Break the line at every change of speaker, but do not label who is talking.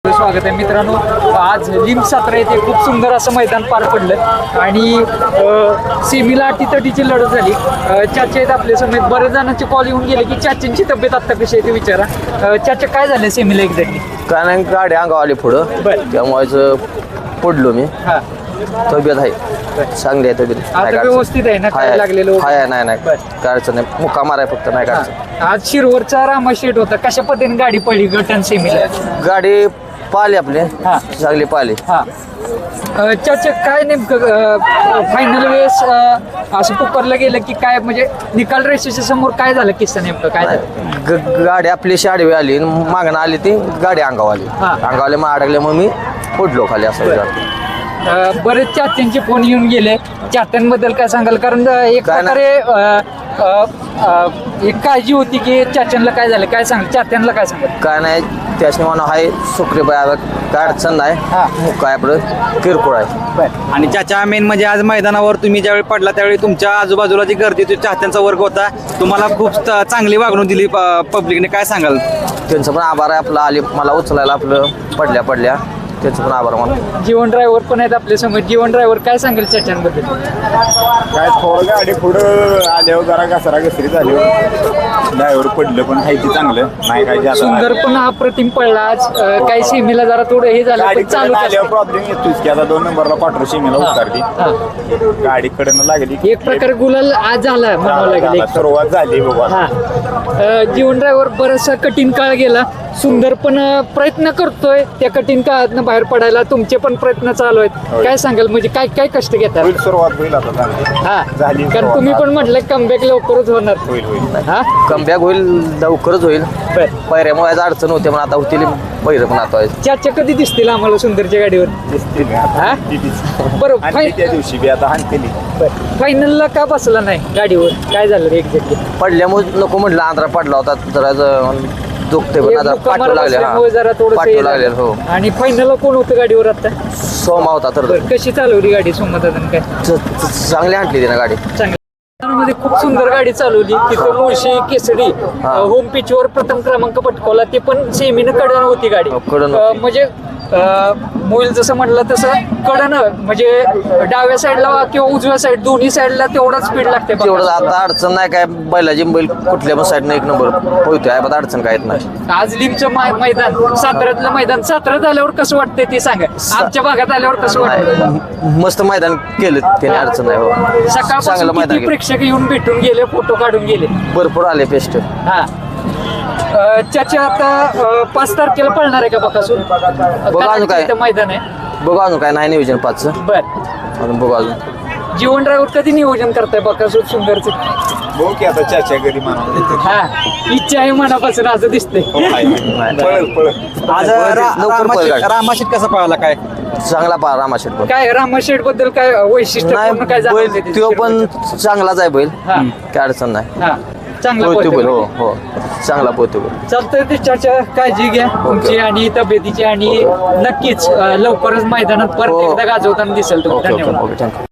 आपलं स्वागत आहे मित्रांनो. आज लिम 17 येथे खूप सुंदर असं मैदान पार पडलं आणि सेमीला अटीतटीची लढत झाली. चाचा आहेत आपल्या समेत. बरेच जणांचे कॉल येऊन गेले की चाच्यांची तब्येत आता कशी आहे ते विचारा. चाचा काय झालं सेमीला एक्झॅक्टली?
काय नाही, गाडी अंगावर आली पुढं, त्यामुळेच पडलो मी.
हा,
तब्येत आहे चांगली आहे, तब्येत
आता व्यवस्थित आहे ना? काय लागलेलं
आहे? नाही काय अडचण नाही, मुक्का माराय फक्त, नाही काय अडचण.
आज शिरवरचा रामा शेट होता. कशा पद्धतीने गाडी पडली गटन सेमीला?
गाडी पाहिली आपली,
हा.
चांगली पाहिली.
हा, चाचा काय नेमकं फायनल वेळेस असं पुकारलं गेलं की काय, म्हणजे निकाल रेषेच्या समोर काय झालं किस्सा नेमकं काय झालं?
गाडी आपली आडवी आली, मागणं आली ती गाडी अंगावर आली.
हा.
अंगावले मग अडकले, मग मी पडलो खाली असं.
बरेच चात्यांचे फोन येऊन गेले. चात्यांबद्दल काय सांगाल? कारण एक
काय
प्रकारे एक काळजी होती की चाच्यांना काय झालं, काय सांगाल? चात्यांना काय सांगाल?
काय नाही, त्याची म्हणा आहे सुखरी बाय, काय अडचण नाही.
हा.
मुक्का आहे आपलं, किरकोळ आहे.
आणि चाचा मेन म्हणजे आज मैदानावर तुम्ही ज्यावेळी पडला त्यावेळी तुमच्या आजूबाजूला जी गर्दी होती, चाहत्यांचा वर्ग होता, तुम्हाला खूप चांगली वागणूक दिली पब्लिकने, काय सांगाल?
त्यांचं पण आभार आहे आपलं, आली मला उचलायला आपलं पडल्या त्यांचं पण आभार मला.
जीवन ड्रायव्हर पण आहेत आपल्या समोर. जीवन ड्रायव्हर काय सांगेल चाच्यांबद्दल?
काय थोडं गाडी पुढं आल्यावर जरा घसरी झाली, ड्रायव्हर पडलं, पण आहे ते चांगलं नाही. काय जास्त
सुंदर पण अप्रतिम पडला आज. काही सीमेला जरा थोडं हे झालं
गाडी
पण चालू
आल्यावर प्रॉब्लेम येतोच की आता 2 नंबरला पाठवून सीमेला उतारली, गाडी कडनं लागली.
एक प्रकारे गुलाल आज झाला म्हणावं लागेल.
सुरुवात झाली बघा.
हा, जीवन ड्रायव्हर बराचसा कठीण काळ गेला. सुंदर पण प्रयत्न करतोय त्या कठीण काळातनं बाहेर पडायला. तुमचे पण प्रयत्न चालू आहेत. काय सांगाल, म्हणजे काय काय कष्ट घेतात?
होईल, सुरुवात होईल आता चांगली.
हा,
झाली
कारण
सुरुवात.
तुम्ही पण म्हटलं कमबॅक लवकरच होणार.
होईल.
हा,
कमबॅक होईल, लवकरच होईल.
बर.
पैऱ्यामुळे आज अडचण होते, पण आता होतील पैर पण आता.
चाचा कधी दिसतील आम्हाला सुंदरच्या गाडीवर?
दिसतील
हा?
आता.
बरोबर.
आणि त्या दिवशी बी आता हाणतेली.
फायनलला का बसला नाही गाडीवर? काय झालं एक्झॅक्टली?
पडल्यामुळे नको म्हटलं, आंध्रा पडला होता जरा दुखते, पण आता पाठवू लागले.
जरा
पाठवू लागले. हो,
थोडं. आणि फायनलला कोण होतं गाडीवर आता?
सोमा होता तर
कशी चालवली गाडी सोमनाथन? काय
चांगली आणली तिने गाडी.
मध्ये खूप सुंदर गाडी चालवली. तिथं मुळशी केसरी होम पिचवर प्रथम क्रमांक पटकावला. ते पण सेमीनं कडन होती गाडी.
कडन
म्हणजे मोईल जसं म्हटलं तसं कडन, म्हणजे डाव्या साईडला किंवा उजव्या साईड दोन्ही साईडला तेवढाच स्पीड लागते.
तेवढं आता अडचण नाही काय, बैलाची बैल कुठल्या पण साईडनं 1 नंबर पोहतोय, आता अडचण काय येत नाही.
आज लिमचं मैदान, साताऱ्यातलं मैदान, साताऱ्यात आल्यावर कसं वाटतंय ते सांगा. आमच्या भागात आल्यावर कसं वाटतं?
मस्त मैदान केलं त्याने, अडचण नाही. हो, चांगलं
सकाळपासून
मैदान
किती प्रेक्षक येऊन भेटून गेले, फोटो काढून गेले.
भरपूर आले पेस्ट.
हा, चाचा आता 5 तारखेला पळणार आहे का बकासूर?
अजून काय?
मैदान आहे.
बघू अजून काय नाही नियोजन 5चं,
बर.
अजून बघू अजून.
जीवन ड्रायव्हर कधी नियोजन करताय बकासूर सुंदरचं?
बघू की आता चाच्या घरी म्हणा.
हा, इच्छा आहे मनापासून असं दिसतंय.
पळ.
आज
लवकर पळ गाडी.
रामाशीत कसा पळाला, काय
चांगला पा रामाशेट पण
काय रामाशेठ बद्दल काय वैशिष्ट्य काय
नाही,
जाणवतंय
बैल तो पण चांगलाच आहे बैल,
हा.
काय अडचण नाही.
हा, चांगला
पोहतो बैल.
पळतोय.
हो, चांगला पोहतो बैल.
चालतंय. ते चाचा काळजी घ्या तुमची आणि तब्येतीची, आणि नक्कीच लवकरच मैदानात परत
हो.
एकदा गाजवताना दिसेल तुम्ही.
ओके
धन्यवाद.
थँक्यू.